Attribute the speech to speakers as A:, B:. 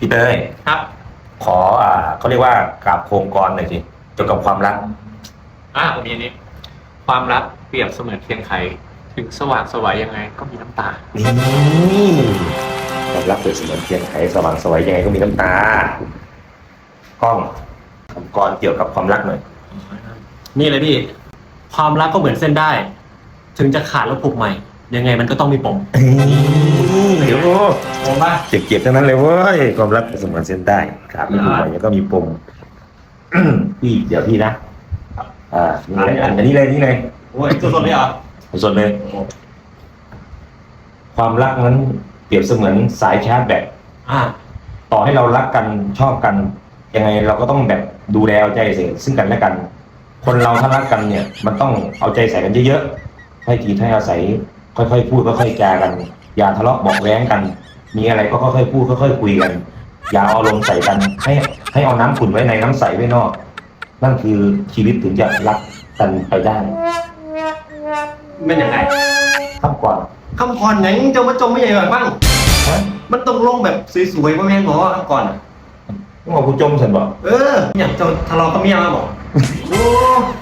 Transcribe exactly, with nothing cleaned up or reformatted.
A: พี่เต้ย
B: ครับ
A: ขออ่าเขาเรียกว่ากราบโครงกรหน่อยสิเกี่ยวกับความรัก
B: อ่าผมมีอันนี้ ความรักเปรียบเสมือนเทียนไขถึงสว่างสวยยังไงก็มีน้ำตา
A: นี่ความรักเปรียบเสมือนเทียนไขสว่างสวยยังไงก็มีน้ำตากล้องคำกรเกี่ยวกับความรักหน่อย
C: นี่เลยพี่ ความรักก็เหมือนเส้นได้ ถึงจะขาดแล้วผูกใหม่ ยังไงมันก็ต้องมีปม
A: เดี๋ยว
C: ผมว่า
A: เจ็บๆทั้งนั้นเลยเว้ยความรักเปรียบเสมือนเส้นได้ขาดไม่ผูกใหม่แล้วก็มีปมพี่เดี๋ยวพี่นะอ่านี่เลยอันนี้เลยนี่เลย
C: โอ้ยสดๆเลยเหรอ
A: สดเลยความรักนั้นเปรียบเสมือนสายชาร์จแบต
C: อ่า
A: ต่อให้เรารักกันชอบกันยังไงเราก็ต้องแบบดูแลเอาใจใส่ซึ่งกันและกัน คนเราถ้ารักกันเนี่ยมันต้องเอาใจใส่กันเยอะๆให้ทีให้อาศัยค่อยๆพูดค่อยๆจากันอย่าทะเลาะเบาะแว้งกัน มีอะไรก็ค่อยๆพูดค่อยๆคุยกันอย่าเอาลมใส่กันให้ให้เอาน้ำขุ่นไว้ในน้ำใสไว้นอกนั่นคือชีวิตถึงจะรักกันไปได้
C: เป็นยังไง
A: คำก่อน
C: คำก่อนยังจะมาจมไม่ใหญ่แบบบ้างมันต้องลงแบบสวยๆว่าแม่งบอกว่าคำก่อนอ่ะ
A: ต้องบอกกูจมฉันบอก
C: เอออย่างจะทะเลาะกับเมียมาบอกโอ้